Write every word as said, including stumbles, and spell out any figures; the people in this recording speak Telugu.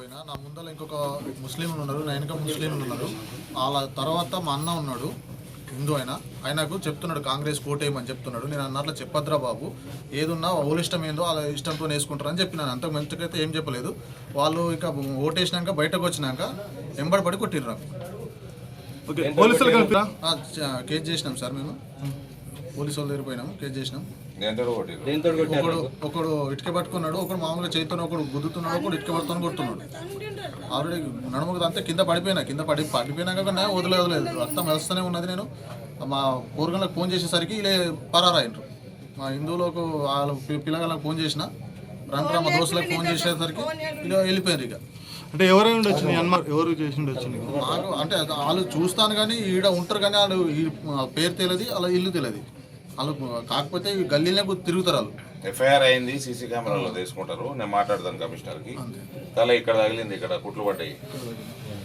పోయినా నా ముందర ఇంకొక ముస్లింలు ఉన్నారు, నా వెనక ముస్లింలు ఉన్నారు. వాళ్ళ తర్వాత మా అన్న ఉన్నాడు హిందూ అయినా, ఆయనకు చెప్తున్నాడు కాంగ్రెస్ కోటేయమని చెప్తున్నాడు. నేను అన్నట్లు చెప్పద్రా బాబు, ఏదున్నా వాళ్ళ ఇష్టం ఏందో వాళ్ళ ఇష్టంతో వేసుకుంటారని చెప్పినాను. అంతకు మంచికైతే ఏం చెప్పలేదు. వాళ్ళు ఇక ఓటేసినాక బయటకు వచ్చినాక ఎంబడి పడి కొట్టిర్రు నాకు. కేసు చేసినాం సార్, మేము పోలీసు వాళ్ళ దగ్గర పోయినాము, కేసు చేసినాం. ఒకడు ఒకడు ఇటుక పట్టుకున్నాడు, ఒకడు మామూలుగా చేతితో ఒకడు గుద్దుతున్నాడు, ఒకడు ఇటుక పట్టుకొని కొడుతున్నాడు. ఆల్రెడీ నడుముకు అంతే కింద పడిపోయినా, కింద పడి పడిపోయినాక వదిలే వదిలేదు రక్తం వెళ్తూనే ఉన్నది. నేను మా పూర్గంలకు ఫోన్ చేసేసరికి ఇలా పరారాయినరు. మా హిందువులకు వాళ్ళ పిల్లగాళ్ళకి ఫోన్ చేసిన, రంట్రా మా దోస్తులకు ఫోన్ చేసేసరికి ఇలా వెళ్ళిపోయారు. ఇక అంటే ఎవరై ఉండొచ్చు, ఎవరు చేసి ఉండొచ్చు నాకు అంటే వాళ్ళు చూస్తాను కానీ ఈడ ఉంటారు కానీ వాళ్ళు పేరు తెలియదు, అలా ఇల్లు తెలియదు వాళ్ళు. కాకపోతే గల్లీలో తిరుగుతారు వాళ్ళు. ఎఫ్ఐఆర్ అయింది, సీసీ కెమెరాలో తీసుకుంటారు. నేను మాట్లాడతాను కమిషనర్కి. తల ఇక్కడ తగిలింది, ఇక్కడ కుట్లు పడ్డాయి.